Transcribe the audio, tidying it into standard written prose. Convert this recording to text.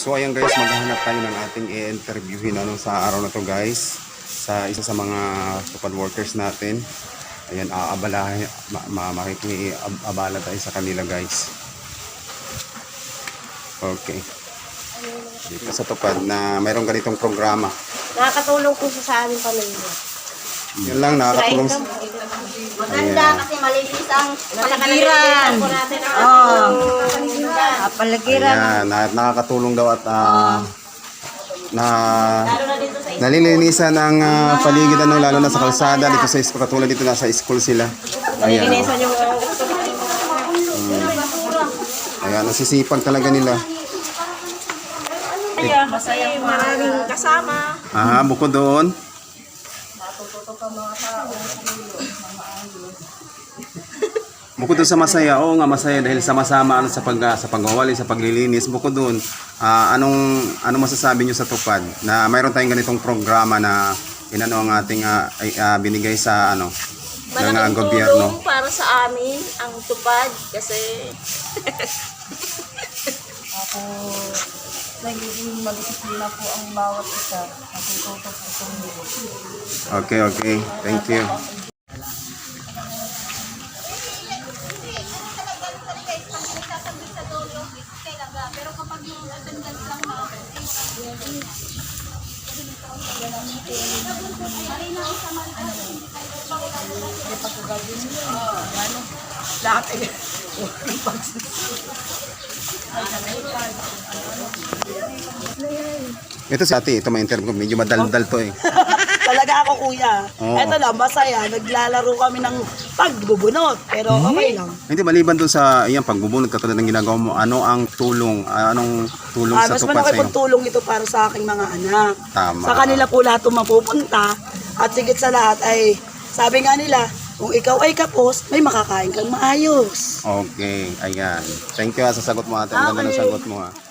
So ayan guys, maghahanap tayo ng ating i-interviewin sa araw na to guys. Sa isa sa mga tupad workers natin. Ayan, makikiabala tayo sa kanila guys. Okay. Dito sa tupad na mayroong ganitong programa. Nakakatulong po sa aming pamilya. Yan lang, nakakatulong. Maganda kasi malinis ang palagiran. Palagiran. Ayan, nakakatulong daw at nalilinisan ang paligid lalo na sa kalsada dito sa school. Katulad dito nasa school sila. Ayan. Nalilinisan yung Ayan, nasisipag talaga nila. masaya maraming kasama. Bukod doon. Bukod doon sa masaya, oo nga masaya dahil sama-sama sa pagwawali, sa paglilinis. Bukod doon, anong masasabi nyo sa tupad na mayroon tayong ganitong programa na inano ang ating binigay sa ng gobyerno. Tulong para sa amin ang tupad kasi nagiging mag-disiplina po ang bawat isa. Natututo po tumulong. Okay. Thank you. Pero kapag yung attendance lang lahat ay Ito si ate, ito may interview ko. Medyo madaldal to eh. talaga ako kuya. Oo. Eto lang, masaya. Naglalaro kami ng pagbubunot. Pero okay lang. Hindi, maliban dun sa pagbubunod katulad ng ginagawa mo, anong tulong sa Mas tupad malaki sa'yo? pong tulong ito para sa aking mga anak. Tama. Sa kanila po lahat itong mapupunta. At sigit sa lahat ay, sabi nga nila, kung ikaw ay kapos, may makakain kang maayos. Okay, ayan. Thank you sa sagot mo ate. Ang ganda ng sagot mo